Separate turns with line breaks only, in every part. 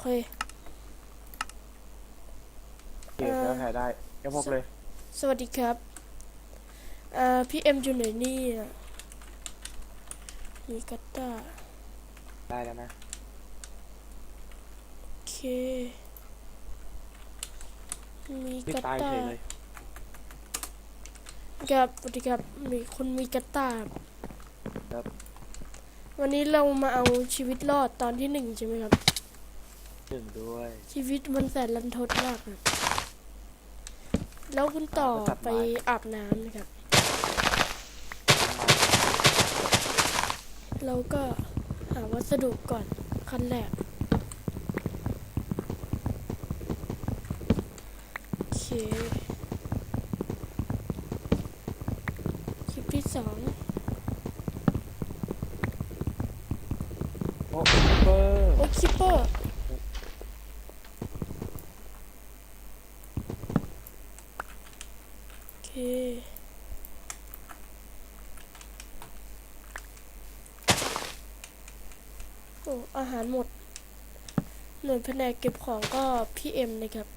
เค
เก็บแล้วถ่ายได้แค่พกเลย
สวัสดีครับพี่เอ็มอยู่ไหนนี่มีกัตตา
ได้แล้วนะ
โอเคมี
ไม่
กัต
ตาย
ตา
เฉยเลย
ครับสวัสดีครับมีคนมีกัตตา
ครับ
วันนี้เรามาเอาชีวิตรอดตอนที่1ใช่ไหมครับ
1ด้วย
ชีวิตมันแสนรันทดมากครับแล้วคุณต่อไปอาบน้ำนะครับเราก็หาวัสดุก่อนขั้นแรกโอเคคลิปที่2
โอ้เบอร์
โอ้คิปเปอร์โอเคโอ้อาหารหมดหน่วยแผนกเก็บของก็พี่เอ็มนะครับ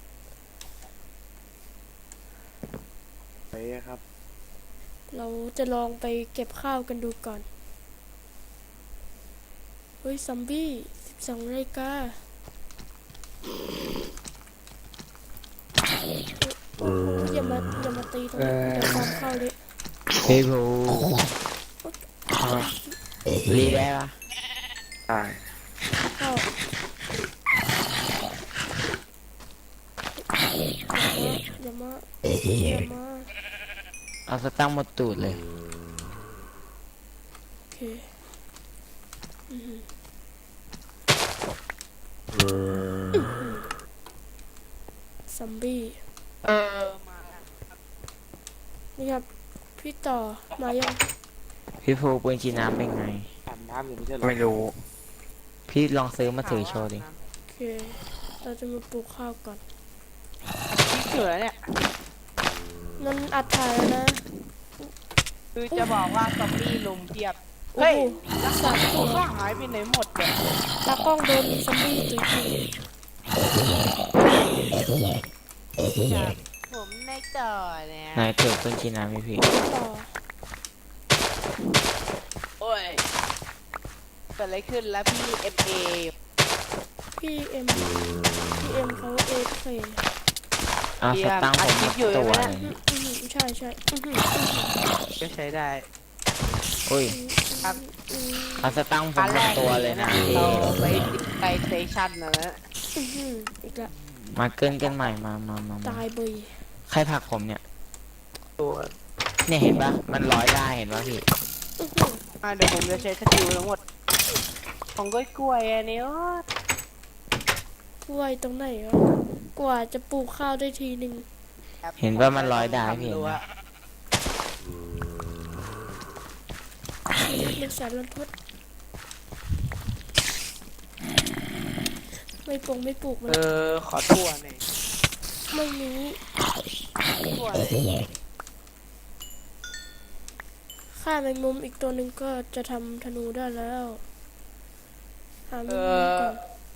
ไปครับ
เราจะลองไปเก็บข้าวกันดูก่อนเฮ้ยซอมบี้12 นาฬิกาโอ้โหอย่ามาตีตรงนี้เดี๋ยวความเข้าเลย
พี่ภูรีได้ปะ
ตาย
เข้าอย่ามา
เอาสตั้งหมดตูดเลย
โอเคซอมบี้
มา
นี่ครับพี่ต่อมายัง
พี่ภูปืนชีน้ำเป็นไง
อาบน้ำอยู่ไม่ใช่หรอ
ไม่รู้ พี่ลองซื้อมาถือโชว์ดิ
โอเคเราจะมาปลูกข้าวก่อน
พี่เขือเนี่ย
มันอัดถ่ายแล้วนะ
คือจะบอกว่าซอมบี้ลุมเพียบ
โอ้
เฮ้ย
โหรักษา
ผ
ตัว
มก็หายไปไหนหมดเนี่ย
ตากล้องโดนซอมบี้ตีที
ผมในต่อเนี่ย
ไหนถือปืนชีน้ำพี่
ต่อ
โอ้ยเกิดอะไรขึ้นแล้วพี่ MA
พี่เอ็มเขาเอฟเค
เอาสตั้งผมหมดตัวเลย
ใช่
ก็ใช้ได้
อุ้ย
ครับ
เอาสตั้งผมหมดตัวเลยนะพี่
เราไปสเตชันนะ
อีกแล้ว
มาเกินกันใหม่มา
ตายเบย
ใครผลักผมเนี่ย
ตัว
เนี่ยเห็นปะมันร้อยได้เห็นปะพี่
เดี๋ยวผมจะใช้สกิลทั้งหมดของกล้วยอันนี้
กล้วยตรงไหนวะกว่าจะปลูกข้าวได้ทีหนึ่ง
เห็นว่ามันร้อยได้พี่เห็นไหม
เป็นแสนรันทดไม่ปลูกมัน
ขอตัวหน่อย
ไม่มี
ตัว
ฆ่าแมงมุมอีกตัวหนึ่งก็จะทำธนูได้แล้วหาแมงมุมก่อน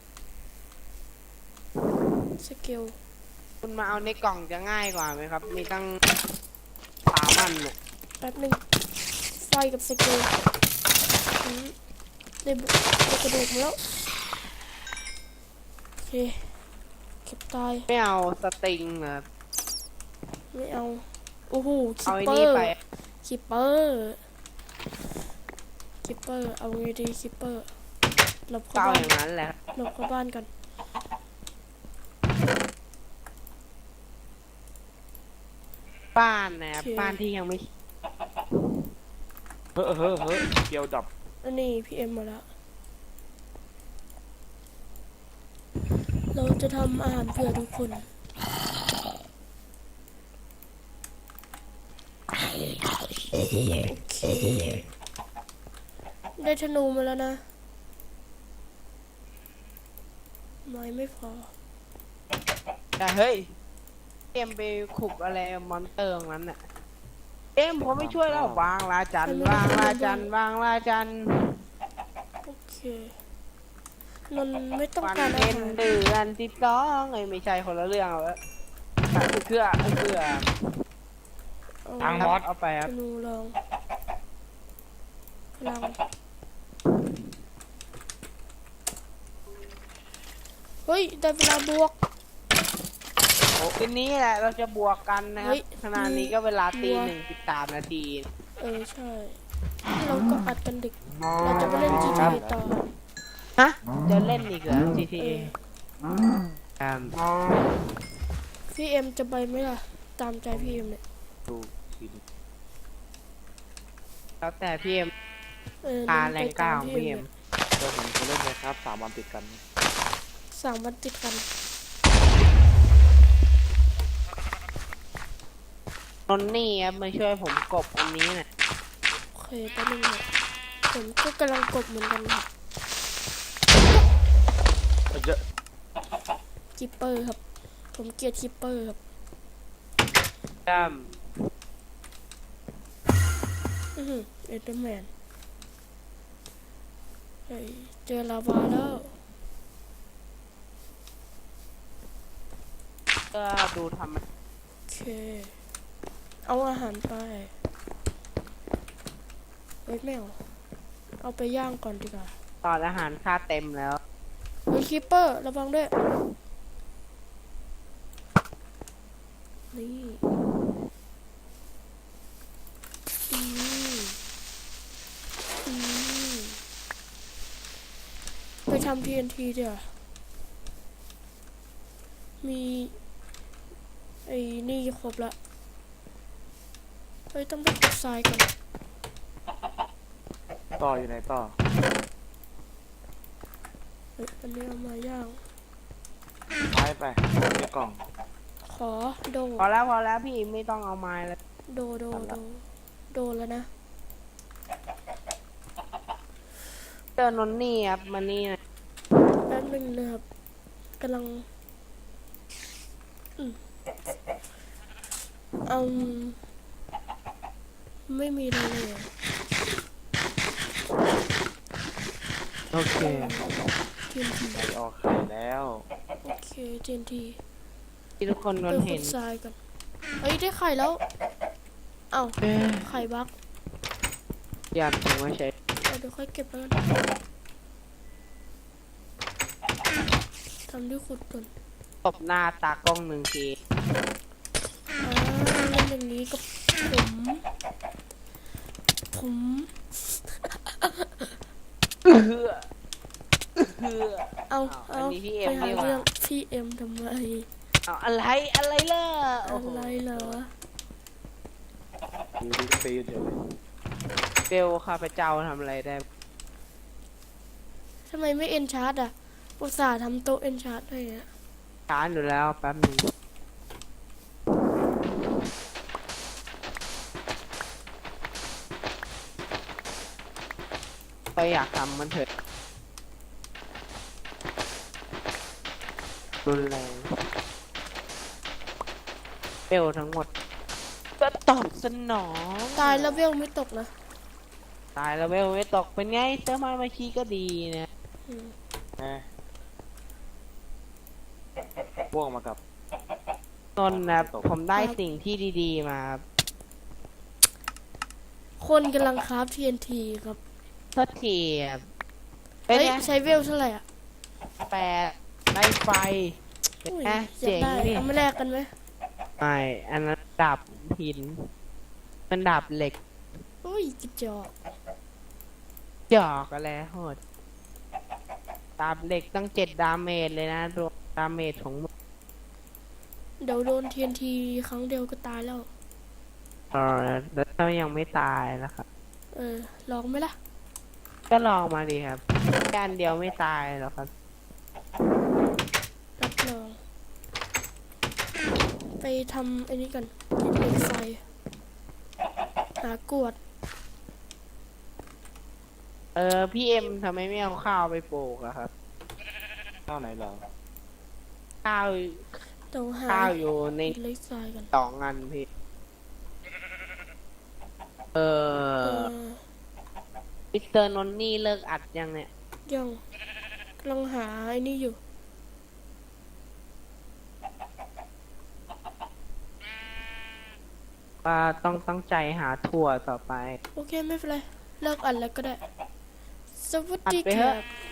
สเกล
คุณมาเอาในกล่องจะง่ายกว่าไหมครับ มีตั้ง3 อันเนี่ย
แป๊บหนึ่งไฟกับสเกลได้กระดูกมาแล้วโอเคเก็บตาย
ไม่เอาสติงนะ
ไม่เอาโอ้โหคิ
เอา
ป
ไอ้
เปอ
นี่
ร์
ไป
เอาไงดีคิปเปอร์หลบเข้า
เก้า
บ้า
อน ย่างนั้นแหละ
หลบเข้าบ้านกัน
บ้านนะครับบ้านที่ยังไม่
เฮ้ยเกี่ยวดับ
อันนี้พี่เอ็มมาแล้วเราจะทำอาหารเพื่อทุกคนโอเคได้ธนูมาแล้วนะไม้ไม่พอ
แต่เฮ้ยเอ็มไปขุบอะไรมอนเตอร์ตรงนั้นน่ะเอ็มผมไม่ช่วยแล้ววางลาจันวางลาจันวางลาจัน
โอเคนนท์ไม่ต้อง
วัน
การอา
เพ็ญ
หาร
เดือน12ไม่ใช่คนละเรื่องเอาละเกลือ
เอา
ทางมอส
เอาไปค
ธ
รับ
นูลองพลังเฮ้ยได้เวลาบวก
ทีนี้แหละเราจะบวกกันนะค
เฮ้
รับ
ย
ขณะนี้ก็เวลาตี
บัว
1:13 นาที
ใช่เราก็อัดกันดึกเราจะไปเล่น GTA ต่อ
ฮะจะเล่นอีกเหรอ GTA ครับ
พี่เอ็มจะไปไหมล่ะ ตามใจพี่เอ็มเนี่ย
ดูทีนี้
แล้วแต่พี่เอ็ม
น
พา
ท์
แร
ไป
งเก้า
ตาม
ของ
พี่
พี่
เอ็
เอ็
ม
ม
เดี๋ยวผมจะเล่นเลยครับ3 วันติดกัน
3 วันติดกัน
นนนี่ครับมาช่วยผมกบอันนี้น่ะ
โอเคแป๊บนึงนะผมก็กำลังกดเหมือนกันครับ
เยอะ
คิปเปอร์ครับ ผมเกลียดคิปเปอร์ครับ
จ้า
เอเดอร์แมนเฮ้ยเจอลาวาแล้ว
ก็ดูทำ
โอเค เอาอาหารไปเฮ้ยไม่เอาไปย่างก่อนดีกว่า
ตอนอาหารค่าเต็มแล้ว
เฮ้ยคิปเปอร์ระวังด้วย นี่อืมอืมไปทำ TNT เดี๋ยวามีไอ้นี่ครบละเฮ้ยต้องไปขุดทรายกัน
ต่ออยู่ไหนต่อ
เฮ้ยอันนี้เอามาย่าง
ไปในกล่อง
ขอโด
พอแล้วพี่ไม่ต้องเอาไม้แล้ว
โดแล้วนะ
เจอนนนี่ครับมานี่นะ
แป๊บนึงนะครับกำลังเอาไม่มีอะไรเลยอะ
โอเค
TNT
ไปออกไข่แล้ว
โอเค TNT
ที่ทุกคนน
ไป
น
ขุ
เห็
ด
น
ทรายกันเอ้ยได้ไข่แล้ว เอ้าไข่บัก
อยากถึงว่าใช้
เดี๋ยวค่อยเก็บแล้วกันทำด้วยขุดก่อน
ตบหน้าตากล้องหนึ่งที
เล่นอย่างนี้กับผม เอา
อันนี้พี่เอ็
ไป
ม
หา
ดีกว่า
เรื่องพี่เอ็มทำไม
เอาอะไรล่ะโอ้
อะ
โห
ไรเหรอ
ดูดีตีเฉย
เบลข้าพเจ้าทำอะไรได้
ทำไมไม่เอ็นชาร์ดอ่ะอุตส่าห์ทำโต๊ะเอ็นชาร์ดให้อ่ะ
ช้าอยู่แล้วแป๊บหนึงก็อยากทำมันเถอะรุนแรงเบลทั้งหมด ก็ตอบสนอง
ตายแล้วเวลไม่ตกนะ
ตายแล้วเบลไม่ตกเป็นไงเสื้อมาเมื่อกี้ก็ดีนะ
อืม
แม่พ่วงมากับ
นนท์นะผมได้สิ่งที่ดีๆมาครับ
คนกำลังคราฟ TNT ครับ
โทษทีครับเป็น
เฮ้ย
ไง
ใช้เวลเท่าไหร่อ่ะ
แปดได้ไฟ
อุ้ย
นะ
อยาก
เจ๋ง
ได้
ดิ
เอามาแลกกันไหม
ไม่อันนั้นดาบหินมันดาบเหล็ก
อุ้ยกระจอก
หยอกอะไรโหดดาบเหล็กตั้ง7 ดาเมจเลยนะรวมดาเมจของมึง
เดี๋ยวโดน TNT ครั้งเดียวก็ตายแล้ว
แล้วถ้ายังไม่ตายนะครับ
ลองไหมล่ะ
ก็ลองมาดีครับแค่อันเดียวไม่ตายหรอกครับ
รับรอง ไปทำไอ้นี้กันเหล็กไฟ หากรวด
พี่เอ็มทำไมไม่เอาข้าวไปปลูกอะครับ
ข้าวไหนเหรอ
ข้าว
ต้องหา
ข้าวอยู่ใน
เหล็กไฟกัน
2 อันพี่มิสเตอร์นนนี่เลิกอัดยังเนี่ย
ยังลองหาไอ้นี่อยู่
ว่าต้องตั้งใจหาถั่วต่อไป
โอเคไม่เป็นไร เลิกอันแล้วก็ได้ สวัสดี
อัดไป
ค
เถ
รั
อะ
บ